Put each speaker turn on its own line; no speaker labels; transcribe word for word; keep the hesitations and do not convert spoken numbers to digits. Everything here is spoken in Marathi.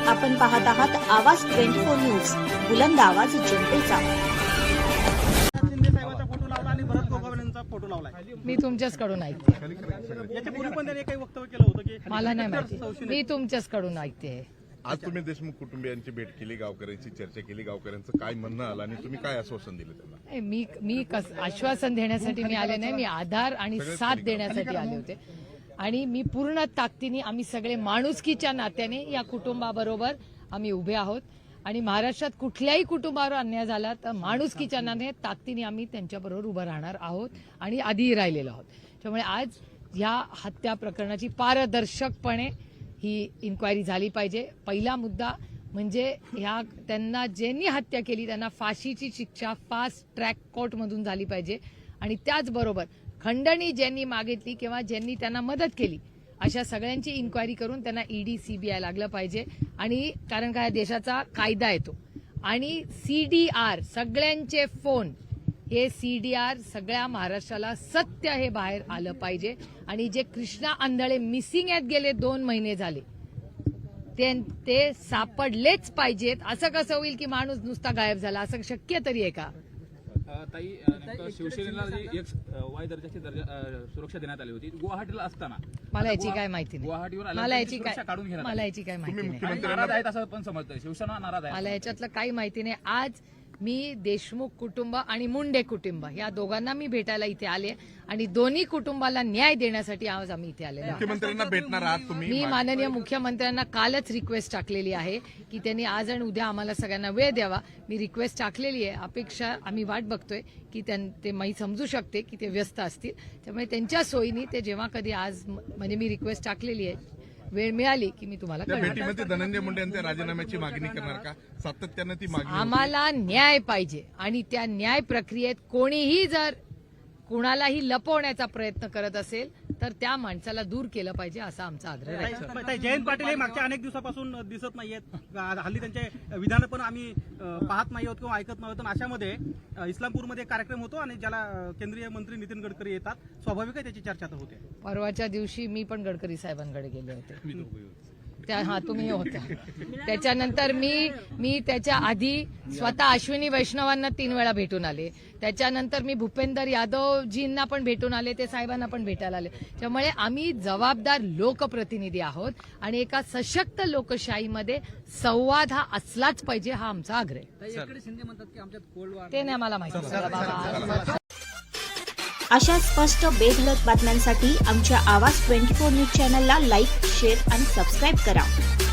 आपण पाहत आहात आवाज ट्वेंटी फोर न्यूज, बुलंद आवाज जनतेचा।
शिंदे साहेबांचा फोटो लावला आणि भरत गोगावलेंचा फोटो लावलाय।
मी तुमच्याचकडून ऐकते।
याच्यापूर्वी पण त्यांनी काही वक्तव्य केलं होतं की
मला नाही माहिती, मी तुमच्याचकडून ऐकते।
आज तुम्ही देशमुख कुटुंबियांची भेट केली, गावकऱ्यांची चर्चा केली, गावकऱ्यांचं काय म्हणणं आलं आणि तुम्ही काय आश्वासन दिलं त्यांना?
मी मी कस आश्वासन देण्यासाठी मी आले नाही, मी आधार आणि साथ देण्यासाठी आले होते। आणि मी पूर्ण ताकदीने आम्ही सगळे माणुसकीच्या नात्याने या कुटुंबाबरोबर आम्ही उभे आहोत आणि महाराष्ट्रात कुठल्याही कुटुंबावर अन्याय झाला तर माणुसकीच्या नात्याने ताकदीने आम्ही त्यांच्याबरोबर उभं राहणार आहोत आणि आधीही राहिलेलो आहोत। त्यामुळे आज या हत्या प्रकरणाची पारदर्शकपणे ही इन्क्वायरी झाली पाहिजे। पहिला मुद्दा म्हणजे ह्या त्यांना ज्यांनी हत्या केली त्यांना फाशीची शिक्षा फास्ट ट्रॅक कोर्टमधून झाली पाहिजे आणि त्याचबरोबर खंडणी ज्यांनी मागितली किंवा ज्यांनी त्यांना मदत केली अशा सगळ्यांची इन्क्वायरी करून त्यांना ईडी सीबीआय लागलं पाहिजे। आणि कारण काय देशाचा कायदा येतो आणि सीडीआर सगळ्यांचे फोन हे सीडीआर सगळ्या महाराष्ट्राला सत्य हे बाहेर आलं पाहिजे। आणि जे कृष्णा आंधळे मिसिंग आहेत गेले दोन महिने झाले ते ते सापडलेच पाहिजेत। असं कसं होईल की माणूस नुसता गायब झाला, असं शक्य तरी आहे का?
ताई शिवसेनेला जी एक वाय दर्जाची दर्जा सुरक्षा देण्यात आली होती गुवाहाटीला असताना
मला याची काय माहिती नाही,
गुवाहाटीवर
मला याची काय
काढून घेण्यात
मला याची काय माहिती नाही,
नाराज आहेत असं पण समजतंय, शिवसेना नाराज आहे
मला याच्यातलं काही माहिती नाही। आज मी देशमुख कुटुंब आणि मुंडे कुटुंब या दोघांना मी भेटायला इथे आले आणि दोन्ही कुटुंबाला न्याय देण्यासाठी आज आम्ही इथे आलेलो आहोत।
मुख्यमंत्र्यांना भेटणार आहात तुम्ही?
मी माननीय मुख्यमंत्र्यांना कालच रिक्वेस्ट टाकलेली आहे की त्यांनी आज आणि उद्या आम्हाला सगळ्यांना वेळ द्यावा। मी रिक्वेस्ट टाकलेली आहे, अपेक्षा आम्ही वाट बघतोय की ते मी समजू शकते की ते व्यस्त असतील, त्यामुळे त्यांच्या सोयीने ते जेव्हा कधी आज म्हणजे मी रिक्वेस्ट टाकलेली आहे, वेळ मिळाली की मी तुम्हाला
त्या
कळवेन।
भेटीमध्ये धनंजय मुंडे यांच्या राजीनाम्याची मागणी करणार का? सातत्यानं ती मागणी होती।
आम्हाला न्याय पाहिजे आणि त्या न्याय प्रक्रियेत कोणीही जर कुणालाही लपवण्याचा प्रयत्न करत असेल तर त्या माणसाला दूर केलं पाहिजे असा आमचा आग्रह आहे।
ताई, जयंत पाटील हे मागच्या अनेक दिवसापासून दिसत नाहीयेत, हल्ली त्यांचे विधान पण आम्ही पाहत नाही आहोत किंवा ऐकत नाही आहोत। अशामध्ये इस्लामपूरमध्ये कार्यक्रम होतो आणि ज्याला केंद्रीय मंत्री नितीन गडकरी येतात, स्वाभाविक आहे त्याची चर्चा तर होते।
परवाच्या दिवशी मी पण गडकरी साहेबांकडे गेले होते, त्या हा तुम्ही होता। त्याच्यानंतर मी मी त्याच्या आधी स्वतः अश्विनी वैष्णवांना तीन वेळा भेटून आले, त्याच्यानंतर मी भूपेंदर यादवजींना पण भेटून आले, ते साहेबांना पण भेटायला आले। त्यामुळे आम्ही जबाबदार लोकप्रतिनिधी आहोत आणि एका सशक्त लोकशाहीमध्ये संवाद हा असलाच पाहिजे हा आमचा आग्रह आहे। ते नाही मला माहिती।
अशा स्पष्ट बेधडक बातम्यांसाठी आमच्या आवाज ट्वेंटी फोर न्यूज चॅनलला लाईक, शेअर आणि सबस्क्राईब करा।